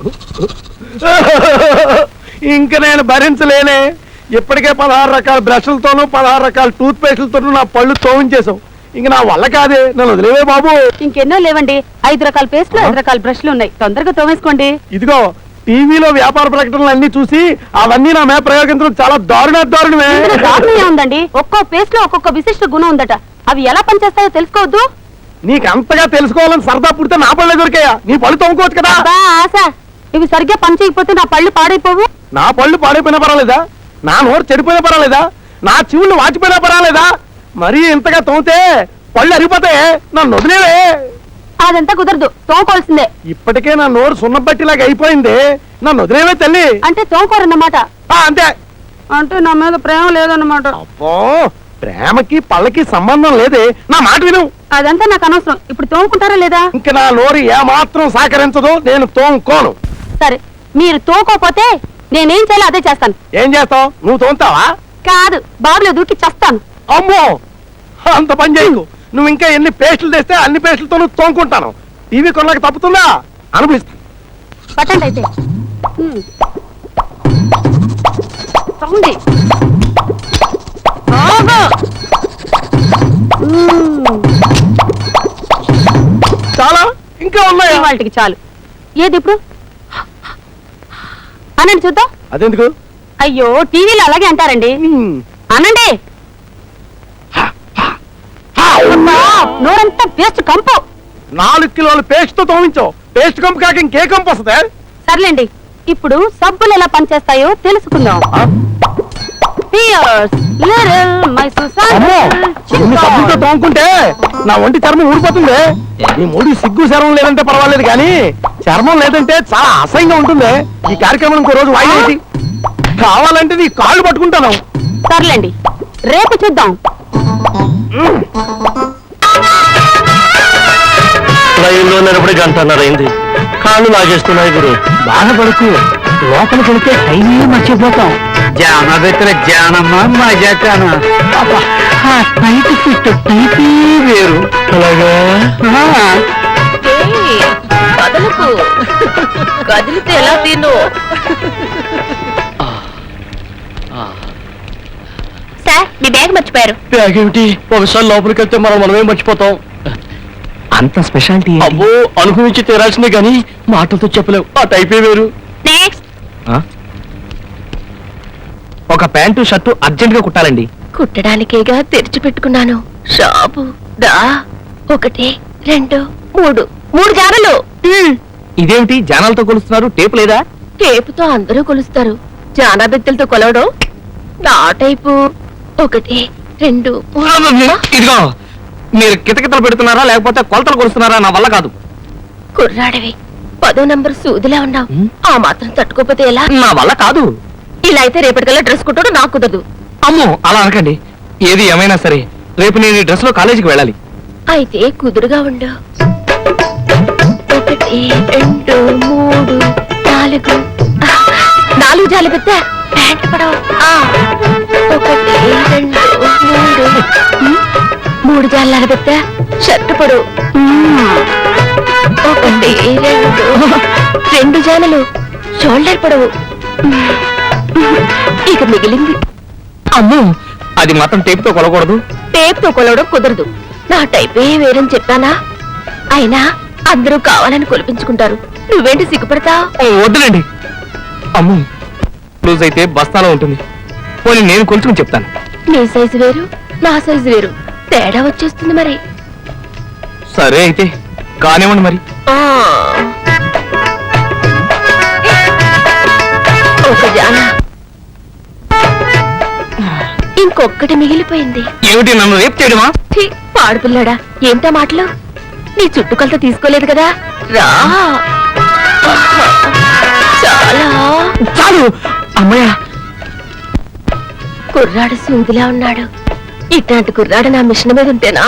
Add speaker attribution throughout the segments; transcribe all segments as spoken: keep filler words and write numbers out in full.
Speaker 1: ఇంక నేను భరించలేనే. ఇప్పటికే పదహారు రకాల బ్రష్లతోనూ పదహారు రకాల టూత్ పేస్టులతోనూ నా పళ్ళు తోవించేసాం. ఇంక నా వల్ల కాదే, నన్ను వదిలేవే బాబు.
Speaker 2: ఇంకెన్నో లేవండి, ఐదు రకాల పేస్ట్లు ఐదు రకాల బ్రష్లు ఉన్నాయి, తొందరగా తోమేసుకోండి.
Speaker 1: ఇదిగో టీవీలో వ్యాపార ప్రకటనలు అన్ని చూసి అవన్నీ నా మీద ప్రయోగించడం చాలా దారుణ దారుణమే.
Speaker 2: దారుణమే ఉందండి. ఒక్కో పేస్ట్ లో ఒక్కొక్క విశిష్ట గుణం ఉందట. అవి ఎలా పనిచేస్తాయో తెలుసుకోవద్దు.
Speaker 1: నీకు అంతగా తెలుసుకోవాలని సరదా పుడితే నా పళ్ళే దొరికాయా? నీ పళ్ళు తోముకోవచ్చు కదా.
Speaker 2: ఆశ, ఇవి సరిగ్గా పని చేయకపోతే నా పళ్ళు పాడైపోవు.
Speaker 1: నా పళ్ళు పాడైపోయినా పర్వాలేదా? నా నోరు చెడిపోయినా పర్వాలేదా? నా చెవులు వాచిపోయినా పర్వాలేదా? మరీ ఇంతగా తోమితే పళ్ళు అరిగిపోతాయే, నన్ను వదిలేవే.
Speaker 2: అదంతా కుదరదు, తోముకోవాల్సిందే.
Speaker 1: ఇప్పటికే నా నోరు సున్నబట్టిలాగా అయిపోయింది, నన్ను వదిలేవే తల్లి.
Speaker 2: అంటే తోముకోరన్నమాట.
Speaker 1: అంతే.
Speaker 2: అంటే నా మీద ప్రేమ లేదన్నమాట.
Speaker 1: అబ్బో, ప్రేమకి పళ్ళకి సంబంధం లేదే. నా మాట విను.
Speaker 2: అదంతా నాకు అనవసరం. ఇప్పుడు తోముకుంటారా లేదా?
Speaker 1: ఇంక నా నోరు ఏమాత్రం సహకరించదు, నేను తోముకోను.
Speaker 2: సరే, మీరు తోముకోపోతే నేనేం చేయాలో అదే చేస్తాను.
Speaker 1: ఏం చేస్తావు? నువ్వు తోముతావా?
Speaker 2: కాదు, బాబులో దూకి చేస్తాను.
Speaker 1: అమ్మో, అంత పని చేయకు. నువ్వు ఇంకా ఎన్ని పేస్టులు తెస్తే అన్ని పేస్టులతో నువ్వు తోముకుంటాను. టీవీ కొనలకు తప్పుతుందా? అనుభవిస్తా.
Speaker 2: పట్టండి అయితే. తోండి.
Speaker 1: చాలా ఇంకా ఉన్నాయి.
Speaker 2: వాటికి చాలు. ఏది ఇప్పుడు అనండి చూద్దాం.
Speaker 1: అదెందుకు?
Speaker 2: అయ్యో, టీవీలో అలాగే అంటారండి. అనండి. నోరంతా పేస్ట్ కంపు.
Speaker 1: నాలుగు కిలోల పేస్ట్ తో తోమించావు. పేస్ట్ కంపు కాక ఇంకే కంపు వస్తుంది?
Speaker 2: సర్లేండి, ఇప్పుడు సబ్బులు ఎలా పనిచేస్తాయో తెలుసుకుందాం.
Speaker 1: సబ్బులతో తోముకుంటే నా ఒంటి చర్మం ఊడిపోతుంది. నీ మూడు సిగ్గు చర్మం లేదంటే పర్వాలేదు, కానీ చర్మం లేదంటే చాలా అసహ్యంగా ఉంటుంది. ఈ కార్యక్రమం ఇంకో రోజు వాయిదా కావాలంటే నీ కాళ్ళు పట్టుకుంటాను.
Speaker 2: సర్లేండి, రేపు చూద్దాం.
Speaker 3: ట్రైన్లో నిలబడి గంటన్నర అయింది. కాళ్ళు లాగేస్తున్నాయి గురు.
Speaker 1: బాధపడుకు, లోపలికి వెళ్తే టైమే మర్చిపోతాం.
Speaker 4: జాన పెట్టిన జానమ్మ మజాన టైట్ ఫిట్ టైపే వేరు.
Speaker 3: అలాగా
Speaker 2: కదలకు కదిలితే ఎలా తిను. సార్, మీ బ్యాగ్ మర్చిపోయారు.
Speaker 3: బ్యాగ్ ఏమిటి? ఒకసారి లోపలికి వెళ్తే మనం మనమే మర్చిపోతాం.
Speaker 4: అంత స్పెషాలిటీ.
Speaker 3: అబ్బో, అనుభవించి తీరాల్సిందే గాని మాటలతో చెప్పలేవు. ఆ టైపే వేరు.
Speaker 2: నెక్స్ట్.
Speaker 4: ఒక ప్యాంటు షర్టు అర్జెంట్ గా కుట్టాలండి.
Speaker 2: కుట్టడానికేగా తెరిచి పెట్టుకున్నాను షాపు. దా, ఒకటి రెండు మూడు మూడు జానలు.
Speaker 4: ఇదేమిటి జానాలతో కొలుస్తున్నారు? టేపు లేదా?
Speaker 2: టేపుతో అందరూ కొలుస్తారు, జానా బెత్తలతో కొలవడం నా టైపు. ఒకటి రెండు
Speaker 4: ఇదిగో, మీరు కితకితలు పెడుతున్నారా లేకపోతే కొలతలు కొలుస్తున్నారా? నా వల్ల కాదు.
Speaker 2: కుర్రాడివి, పదో నంబర్ సూదిలా ఉన్నావు. ఆ మాత్రం తట్టుకోపోతే ఎలా?
Speaker 4: నా వల్ల కాదు.
Speaker 2: ఇలా అయితే రేపటికల్లా డ్రెస్ కుట్టడు నాకు కుదరదు.
Speaker 4: అమ్మో, అలా అనకండి. ఏది ఏమైనా సరే రేపు నేను ఈ డ్రెస్ లో కాలేజీకి వెళ్ళాలి.
Speaker 2: అయితే కుదురుగా ఉండు. ఒకటి రెండు మూడు నాలుగు నాలుగు జాలి పెద్ద ప్యాంట్ పడవ. ఒకటి రెండు మూడు మూడు జాల పెద్ద షర్ట్ పొడవు. ఒకటి రెండు రెండు జాలలు షోల్డర్ పొడవు. ఇక మిగిలింది.
Speaker 4: అమ్మో, అది మాత్రం టేపుతో కొలకూడదు.
Speaker 2: టేప్తో కొలవడం కుదరదు. నా టైపే వేరని చెప్పానా? అయినా అందరూ కావాలని కొలిపించుకుంటారు, నువ్వేంటి సిగ్గుపడతా?
Speaker 4: వద్దులేండి. అమ్మో, లూజ్ అయితే బస్తాలో ఉంటుంది. పోనీ నేను కొలుచుకుని చెప్తాను.
Speaker 2: నీ సైజు వేరు, నా సైజు వేరు, తేడా వచ్చేస్తుంది మరి.
Speaker 4: సరే అయితే కానివ్వండి మరి.
Speaker 2: ఒక జాన, ఇంకొక్కటి మిగిలిపోయింది.
Speaker 4: ఏమిటి, నన్ను రేపు చేయడమా?
Speaker 2: పాడుపిల్లాడా, ఏంటా మాటలు? నీ చుట్టుకొలత తీసుకోలేదు కదా, రా. చాలా
Speaker 4: చాలు. అమ్మయ్య,
Speaker 2: కుర్రాడు సూదిలా ఉన్నాడు. ఇట్లాంటి కుర్రాడు నా మిషన్ మీద ఉంటేనా?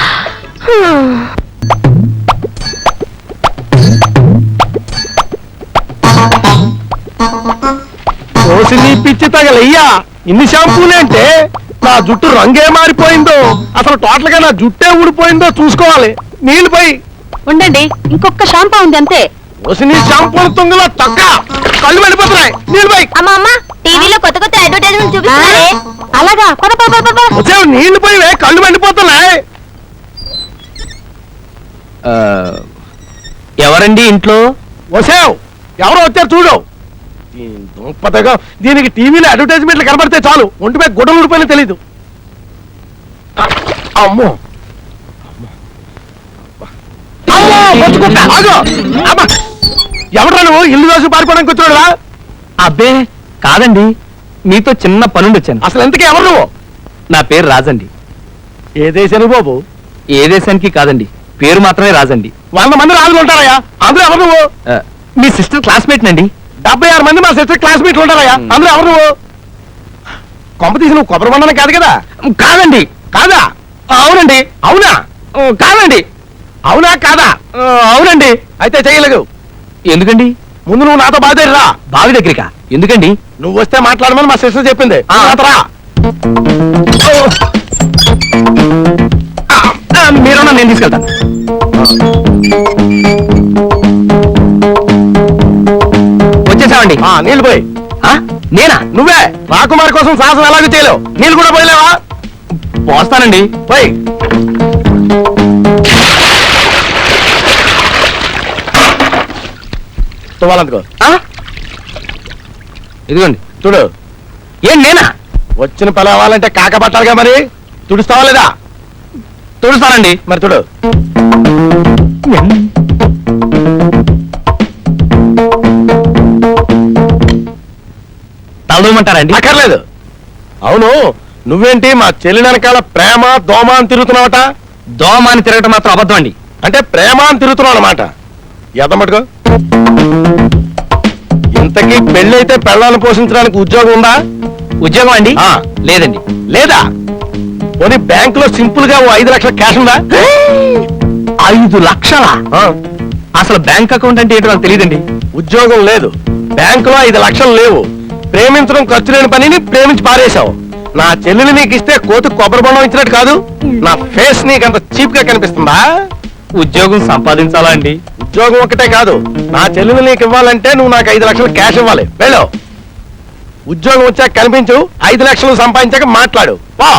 Speaker 1: పిచ్చి తగలయ్యా, ఇన్ని షాంపూలే అంటే నా జుట్టు రంగే మారిపోయిందో, అసలు టోటల్ గా నా జుట్టే ఊడిపోయిందో చూసుకోవాలి. నీళ్ళు పోయి
Speaker 2: ఉండండి, ఇంకొక షాంపూ ఉంది అంతే.
Speaker 1: వసిని షాంపూల తుంగలో తొక్క కళ్ళు వెళ్ళిపోతున్నాయి నీళ్ళు పోయి
Speaker 2: అమ్మా అమ్మ టీవీలో కొత్త కొత్త అడ్వర్టైజ్మెంట్ చూపిస్తున్నారే అలాగా పద పద పద పద.
Speaker 1: వచ్చావు నీళ్లు పోయివే కళ్ళు వెళ్ళిపోతున్నాయి.
Speaker 4: ఆ, ఎవరండి ఇంట్లో?
Speaker 1: వసావు ఎవరో వచ్చారు చూడు. ఈ దుంపదగా దీనికి టీవీలో అడ్వర్టైజ్మెంట్లు కనబడితే చాలు ఒంటిపై గుడ్డలు ఊడిపోయినా తెలీదు. అమ్మో అమ్మో, బతుకుంట. ఆగు. అబ్బా. ఎవడ్రా నువ్వు ఇల్లు దోసి పారిపోవడానికి వచ్చాడురా?
Speaker 4: అబ్బే కాదండి, మీతో చిన్న పనుండి వచ్చాను.
Speaker 1: అసలు ఎంతకీ ఎవరు నువ్వు?
Speaker 4: నా పేరు రాజండి.
Speaker 1: ఏ దేశానికి బాబు?
Speaker 4: ఏ దేశానికి కాదండి, పేరు మాత్రమే రాజండి.
Speaker 1: వంద మంది రాజులు ఉంటారయ్యా, అందులో ఎవరు నువ్వు?
Speaker 4: ఆ, మీ సిస్టర్ క్లాస్మేట్ నండి.
Speaker 1: డెబ్బై ఆరు మంది మా సిస్టర్ క్లాస్మేట్లు ఉంటారయ్యా, అందులో ఎవరు నువ్వు? కొంప తీసి నువ్వు కొబ్బరి బండనే కాదు కదా?
Speaker 4: కాదండి.
Speaker 1: కాదా?
Speaker 4: అవునండి.
Speaker 1: అవునా?
Speaker 4: ఆ, కాదండి.
Speaker 1: అవునా కాదా?
Speaker 4: ఆ, అవునండి.
Speaker 1: అయితే చేయలేదు.
Speaker 4: ఎందుకండి?
Speaker 1: ముందు నువ్వు నాతో బాధేరా.
Speaker 4: బావి దగ్గరికా? ఎందుకండి?
Speaker 1: నువ్వు వస్తే మాట్లాడమని మా సిస్టర్ చెప్పింది.
Speaker 4: ఆ.
Speaker 1: నాతో రా.
Speaker 4: ఆ, మీరున్నా నేను తీసుకెళ్తాను. వచ్చేసామండి.
Speaker 1: ఆ, నీళ్ళు పోయి.
Speaker 4: ఆ, నేనా?
Speaker 1: నువ్వే రాకుమారి కోసం సాహసం ఎలాగో చేయలేవు. నీళ్ళు కూడా పోయలేవా?
Speaker 4: పోస్తానండి.
Speaker 1: పోయి. తువ్వాలందుకో.
Speaker 4: ఆ? ఇదిగోండి.
Speaker 1: చూడు,
Speaker 4: ఏం నేనా?
Speaker 1: వచ్చిన పని అవ్వాలంటే కాక పట్టాలిగా, మరి తుడుస్తావా లేదా?
Speaker 4: తుడుస్తానండి.
Speaker 1: మరి చూడు.
Speaker 4: తలదూమంటారండి?
Speaker 1: అక్కర్లేదు. అవును, నువ్వేంటి మా చెల్లి వెనకాల ప్రేమ దోమ అని తిరుగుతున్నావట?
Speaker 4: దోమ అని తిరగటం మాత్రం అబద్ధం అండి.
Speaker 1: అంటే ప్రేమ అని తిరుగుతున్నావు అనమాట. ఎదమటుకో. ఇంతకీ పెళ్ళైతే పెళ్ళాలను పోషించడానికి ఉద్యోగం ఉందా?
Speaker 4: ఉద్యోగం అండి?
Speaker 1: ఆ.
Speaker 4: లేదండి.
Speaker 1: లేదా? పోనీ బ్యాంకులో సింపుల్ గా ఓ ఐదు లక్షల క్యాష్ ఉందా?
Speaker 4: ఐదు లక్షల?
Speaker 1: ఆ.
Speaker 4: అసలు బ్యాంక్ అకౌంట్ అంటే ఏంటో నాకు తెలియదండి.
Speaker 1: ఉద్యోగం లేదు, బ్యాంకులో ఐదు లక్షలు లేవు, ప్రేమించడం ఖర్చు లేని పనిని ప్రేమించి పారేశావు. నా చెల్లిని నీకు ఇస్తే కోతి కొబ్బరి బొండం ఇచ్చినట్టు కాదు. నా ఫేస్ నీకు అంత చీప్ గా కనిపిస్తుందా?
Speaker 4: ఉద్యోగం సంపాదించాలా అండి?
Speaker 1: ఉద్యోగం ఒకటే కాదు, నా చెల్లిని నీకు ఇవ్వాలంటే నువ్వు నాకు ఐదు లక్షలు క్యాష్ ఇవ్వాలి. వెళ్ళు. ఉద్యోగం వచ్చాక కనిపించు, ఐదు లక్షలు సంపాదించాక మాట్లాడు. పో.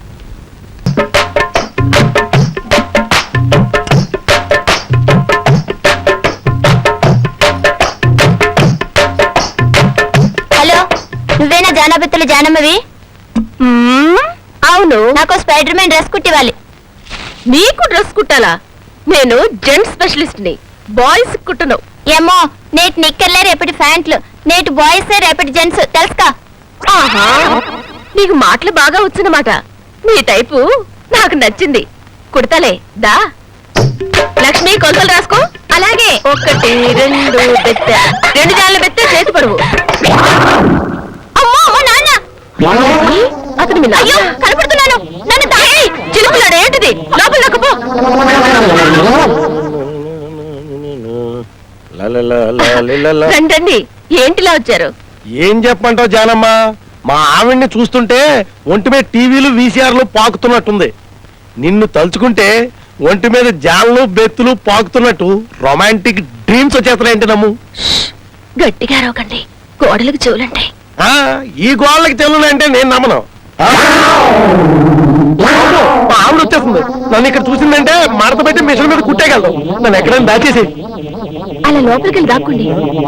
Speaker 2: హలో, నువ్వేనా జానాబెత్తుల జానమ్మవి? అవును, నాకు స్పైడర్ మ్యాన్ డ్రెస్ కుట్టివ్వాలి. నీకు డ్రెస్ కుట్టాలా? నేను జెంట్స్ స్పెషలిస్ట్ ని, బాయ్స్ కుట్టను. ఏమో, నేటి నిక్కర్లే రేపటి ప్యాంట్లు, నేటి బాయ్స్ రేపటి జెంట్స్, తెలుసుకా? ఆహా, నీకు మాటలు బాగా వచ్చున్నమాట. నీ టైపు నాకు నచ్చింది, కుడతలే. దా లక్ష్మి, కొలతలు రాసుకో. అలాగే. ఒకటి రెండు బెత్త, రెండు జాన్ల బెత్త, చేతి పరువు. అమ్మో అమ్మో, నాన్న! అతను మీ నాన్న? అయ్యో, కనపడుతున్నాను. నన్ను తాగి చిలుపులాడు. ఏంటిది? లోపల నొక్కపో. రండి, ఏంటిలా వచ్చారు?
Speaker 1: ఏం చెప్పమంటావు జానమ్మ? మా ఆవిడ్ని చూస్తుంటే ఒంటి మీద టీవీలు వీసీఆర్లు పాకుతున్నట్టుంది. నిన్ను తలుచుకుంటే ఒంటి మీద జాన్లు బెత్తులు పాకుతున్నట్టు రొమాంటిక్ డ్రీమ్స్ వచ్చేస్తున్నాయంటే నమ్ము.
Speaker 2: గట్టిగా రోకండి, గోడలకు చెవులంటాయి.
Speaker 1: ఆ, ఈ గోళ్ళకి చెల్లునంటే నేను నమ్మను. ఆ? మా ఆవిడ వచ్చేస్తుంది. నన్ను ఇక్కడ చూసిందంటే మడత పెట్టి మిషన్ మీద కుట్టేయగలదు. నన్ను ఎక్కడైనా దాచేసి.
Speaker 2: అలా లోపలికి వెళ్ళి దాక్కోండి.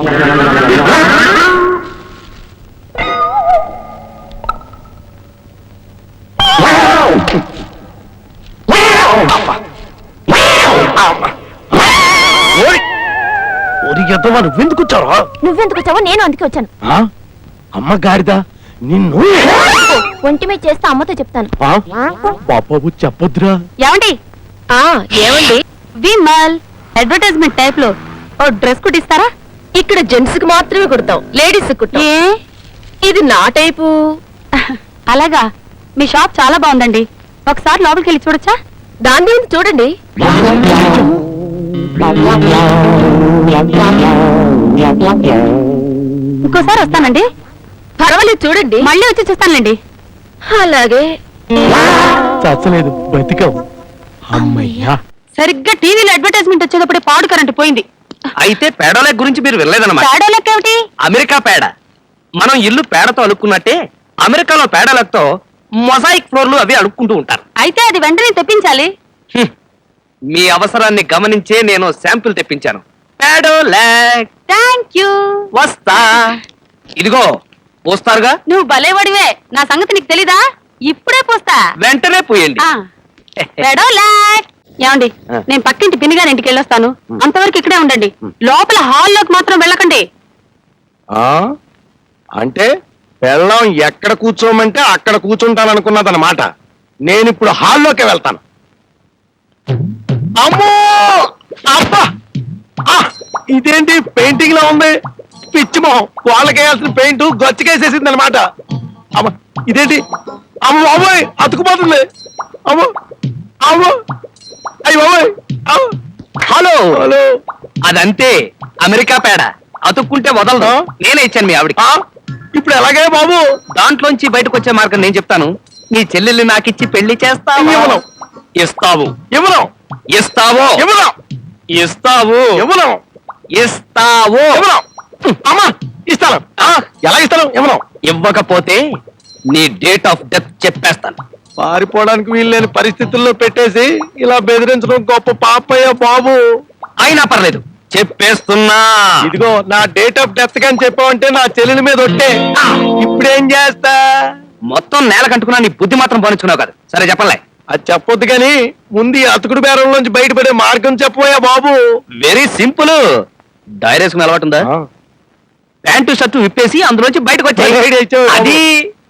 Speaker 1: నువ్వెందుకు వచ్చావా?
Speaker 2: నువ్వెందుకు వచ్చావో నేను అందుకే వచ్చాను.
Speaker 1: అమ్మ గాడిదా, నిన్ను
Speaker 2: ఒంటి మీద చేస్తే అమ్మతో చెప్తాను.
Speaker 1: బాబాబు చెప్పొద్దురా.
Speaker 2: ఏమండి? ఆ ఏమండి? విమల్ అడ్వర్టైజ్మెంట్ టైప్ లో ఓ డ్రెస్ కుట్టిస్తారా? ఇక్కడ జెంట్స్ కి మాత్రమే కుడతాం, లేడీస్ కుట్టాం. ఇది నా టైపు. అలాగా? మీ షాప్ చాలా బాగుందండి, ఒకసారి లోపలికి వెళ్ళి చూడొచ్చా? దాని గురించి చూడండి. ఇంకోసారి వస్తానండి. పర్వాలేదు, చూడండి. మళ్ళీ వచ్చి చూస్తానులేండి. అలాగే.
Speaker 1: చచ్చలేదు, బతికావు. అమ్మయ్యా.
Speaker 2: సరిగ్గా టీవీలో అడ్వర్టైజ్మెంట్ వచ్చేటప్పుడే పాడు కరెంట్ పోయింది.
Speaker 4: అయితే పేడోలెక్ గురించి మీరు వెళ్ళలేదన్నమాట.
Speaker 2: పేడోలెక్ ఏమిటి?
Speaker 4: అమెరికా పేడ. మనం ఇల్లు పేడతో అలుక్కున్నట్టే అమెరికాలో పేడలతో మొజాయిక్ ఫ్లోర్లు అవి అడుక్కుంటూ ఉంటారు.
Speaker 2: అయితే అది వెంటనే తెప్పించాలి.
Speaker 4: హ్మ్. మీ అవసరాన్ని గమనించే నేను శాంపిల్ తెప్పించాను. పేడోలెక్.
Speaker 2: Thank you.
Speaker 4: వస్తా. ఇదిగో పోస్తారుగా.
Speaker 2: నువ్వు భలేవాడివే. నా సంగతి నీకు తెలీదా? ఇప్పుడే పోస్తా.
Speaker 4: వెంటనే పోయండి.
Speaker 2: ఆ, పెడోలాక్. ఏమండి,
Speaker 4: ఆ.
Speaker 2: నేను పక్కింటి పిన్నిగారి ఇంటికి వెళ్ళొస్తాను. అంతవరకు ఇక్కడే ఉండండి. లోపల హాల్లోకి మాత్రం వెళ్ళకండి.
Speaker 1: ఆ అంటే పెళ్ళం ఎక్కడ కూర్చోమంటే అక్కడ కూర్చుంటాననుకున్నదన్నమాట. నేను ఇప్పుడు హాల్లోకి వెళ్తాను. అమ్మో అబ్బా ఆ, ఇదేంటి పెయింటింగ్ లో ఉంది? పిచ్చి మొహం. వాళ్ళకేయాల్సిన పెయింట్ గొచ్చకేసేసింది అనమాట. అమ్మ ఇదేంటి? అమ్మ బాబోయ్ అతుకుపోతుంది. అమ్మ అమ్మ అయ్యి బాబోయ్. అమ్మ.
Speaker 4: హలో.
Speaker 1: హలో
Speaker 4: అదంతే అమెరికా పేడ. అతుక్కుంటే వదలదు.
Speaker 1: ఆ?
Speaker 4: నేనే ఇచ్చాను మీ ఆవిడకి.
Speaker 1: ఆ, ఇప్పుడు ఎలాగే బాబు?
Speaker 4: దాంట్లోంచి బయటకు వచ్చే మార్గం నేను చెప్తాను. నీ చెల్లెల్ని నాకిచ్చి పెళ్లి చేస్తావు.
Speaker 1: ఇవ్వను.
Speaker 4: ఇస్తావు.
Speaker 1: ఇవ్వను
Speaker 4: ఇస్తావు.
Speaker 1: ఇవ్వను
Speaker 4: ఇస్తావు.
Speaker 1: ఇవ్వను
Speaker 4: ఇస్తావు.
Speaker 1: ఇవ్వను. అమ్మా ఇస్తాను. ఆ, ఎలా ఇస్తాను? ఇవ్వను.
Speaker 4: ఇవ్వకపోతే నీ డేట్ ఆఫ్ డెత్ చెప్పేస్తాను.
Speaker 1: పారిపోవడానికి వీల్లేని పరిస్థితుల్లో పెట్టేసి ఇలా బెదిరించడం గొప్ప పాపయ్య బాబు.
Speaker 4: అయినా పర్లేదు చెప్పేస్తున్నా.
Speaker 1: ఇదిగో నా డేట్ ఆఫ్ డెత్ కానీ చెప్పావంటే నా చెల్లెల మీద ఒట్టే. ఆ, ఇప్పుడేం చేస్తా?
Speaker 4: మొత్తం నేల కంటుకున్నా నీ బుద్ధి మాత్రం పోనిచ్చుకున్నావు కదా. సరే చెప్పలే.
Speaker 1: అది చెప్పొద్దు కానీ ముందు ఈ అతుకుడు బేరంలోంచి బయటపడే మార్గం చెప్పబోయా బాబు.
Speaker 4: Very simple. డైరేసుకుని అలవాటు ఉందా? ప్యాంటు షర్టు విప్పేసి అందులోంచి బయటకు
Speaker 1: భలే idea
Speaker 4: వచ్చాయి.
Speaker 1: ఇచ్చావు బాబు.
Speaker 4: అది